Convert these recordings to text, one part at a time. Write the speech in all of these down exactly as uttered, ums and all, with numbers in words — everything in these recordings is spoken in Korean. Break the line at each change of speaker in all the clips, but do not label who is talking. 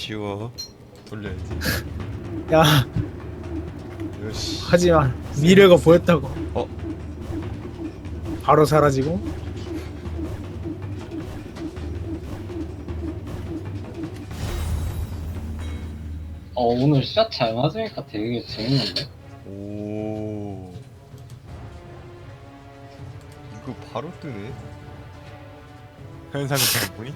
쉬워. 돌려야지.
야
요시.
하지만 미래가 보였다고.
어?
바로 사라지고.
어 오늘 샷 잘 맞으니까 되게 재밌는데?
오. 이거 바로 뜨네.
현상금 장군이?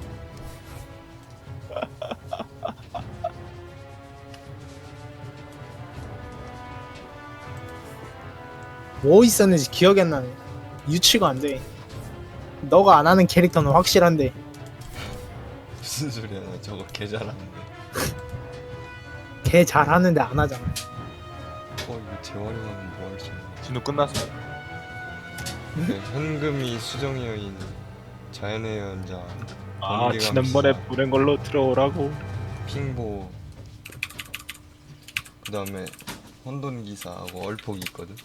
뭐 있었는지 기억이 안 나네. 유치가 안 돼. 너가 안 하는 캐릭터는 확실한데.
무슨 소리야? 나 저거 개 잘하는데.
걔 잘하는데 안 하잖아.
어 이거 재활용하면 뭐 할 수 있나?
진우 끝났어.
네, 현금이 수정의 여인, 자연의 연자,
아
번개
지난번에
감시자,
보낸 걸로 들어오라고.
핑보. 그 다음에 혼돈기사하고 얼폭이 있거든.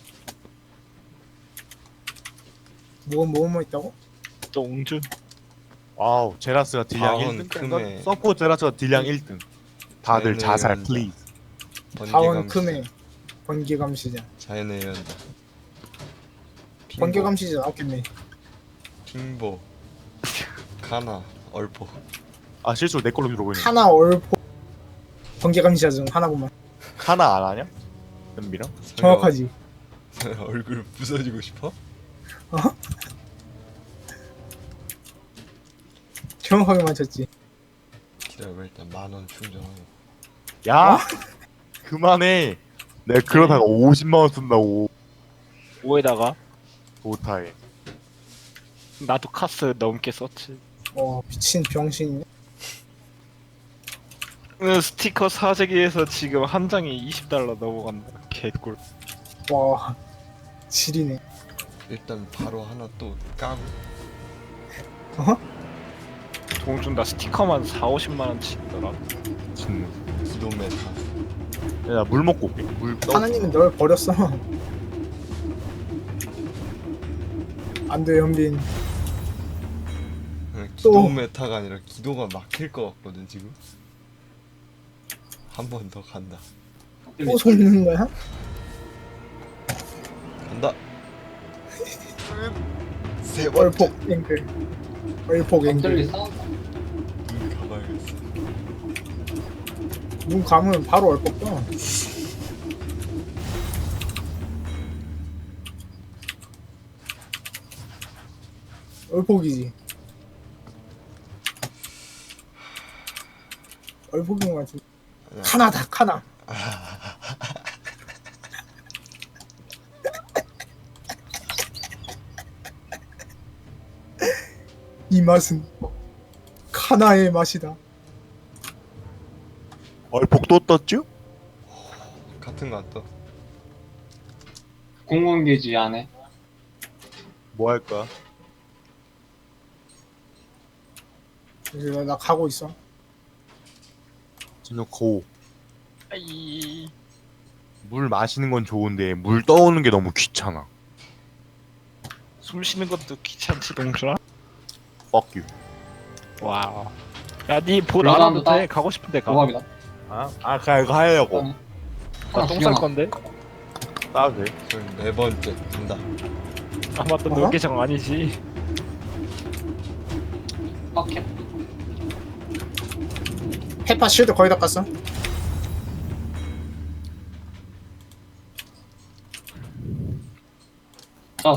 뭐 뭐 뭐 있다고?
똥준.
와우, 제라스가 딜량
다원,
일 등.
크메.
서포 제라스가 딜량 일 등. 다들
자연의
자살
연자,
플리즈.
번개
하원
감시자,
크메 번개 감시자.
자연의 연자, 핑보,
번개 감시자 나왔겠네.
핑보, 카나, 얼폭.
아 실수로 내 걸로 들어오고 있네.
하나 얼포 번개 감시자 중 하나구만.
하나 안 하냐? 연비랑?
정확하지.
얼굴 부서지고 싶어?
정확하게 맞췄지.
기다려봐. 일단 만원 충전하고.
야!
어?
그만해. 내가 그러다가 오십만 원 쓴다고.
뭐에다가
도타에.
나도 카스 넘게 썼지.
어 미친 병신이네.
그 스티커 사재기에서 지금 한 장에 이십 달러 넘어간다. 개꿀.
와 지리네.
일단 바로 하나 또 까고.
동준 나 스티커만 사오십만 원치 있더라.
진우.
기도메타.
야, 물 먹고 올게. 물 떠.
하나님은 널 버렸어. 안돼 현빈.
기도메타가 아니라 기도가 막힐 것 같거든 지금. 한 번 더 간다.
또 속는 거야?
간다. 세 번째.
얼폭 앵글. 얼폭
갑자기
앵글.
싸운다.
눈 감아야겠어.
눈 감으면 바로 얼폭 떠. 얼폭이지. 얼폭인 것 같은데. 카나다 카나. 이 맛은 카나의 맛이다.
얼폭 또 떴죠?
같은 거 안 떠.
공공기지 안에.
뭐 할 거야?
이제 나 가고 있어.
진우 고.
아이.
물 마시는 건 좋은데 물 떠오는 게 너무 귀찮아.
숨 쉬는 것도 귀찮지 동준아.
Fuck you.
와우. 야니볼
이거
안 와도
따-
돼. 가고 싶은데 가.
도박이다.
아, 아 그냥 이거 하려고.
하나
나똥 쌀
죽여놔.
건데.
따도 돼.
그럼 네 번째 간다.
아 맞다.
어?
너 계정 아니지.
빡해.
페파 쉴드 거의 다 깠어.
자,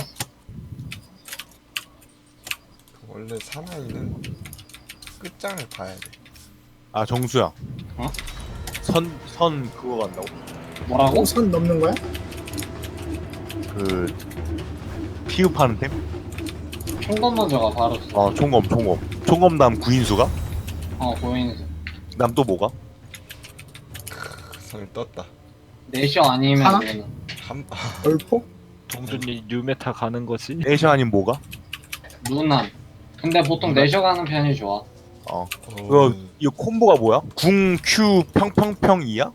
원래 사나이는 끝장을 봐야 돼.
아 정수야.
어?
선, 선 그거 간다고?
뭐라고?
어, 선 넘는 거야?
그 피읍하는 템?
총검 먼저가 바로.
어 총검 총검. 총검 다음 구인수가?
어 보이는.
다음 또 뭐가?
선 떴다.
내셔 아니면
하나?
얘는.
한
얼폭?
동준이 뉴메타 가는 거지.
에이션 아니면 뭐가?
루난. 근데 보통
루난?
내셔 가는 편이 좋아.
어
어,
그거 이거 콤보가 뭐야? 궁 Q 평평평이야?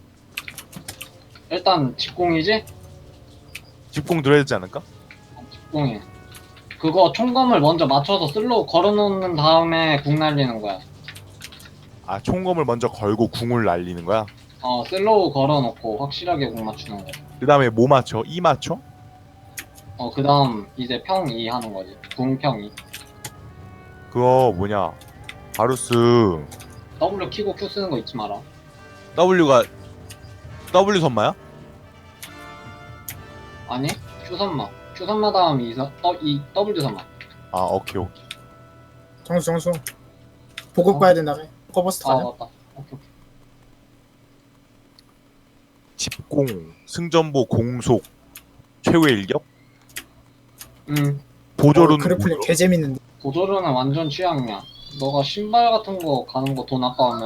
일단 직공이지?
집공 들어야 되지 않을까?
직공이. 그거 총검을 먼저 맞춰서 슬로우 걸어놓는 다음에 궁 날리는 거야.
아 총검을 먼저 걸고 궁을 날리는 거야?
어 슬로우 걸어놓고 확실하게 공 맞추는 거.
그 다음에 뭐 맞춰? 이 맞춰?
어 그다음 이제 평이 하는 거지. 궁평이.
그거 뭐냐 바루스
W 키고 Q 쓰는 거 잊지 마라.
W가 W 선마야?
아니 Q 선마. Q 선마 다음 이, 서, 어, 이 W 선마.
아 오케이 오케이
정수 정수 보급
어?
가야 된다며. 커버스트
아
가자.
맞다. 오케이 오케이.
집공 승전보 공속 최후의 일격
음
보조는
어, 그래플링 개 재밌는데.
보조르는 완전 취향이야. 너가 신발 같은 거 가는 거 돈 아까우면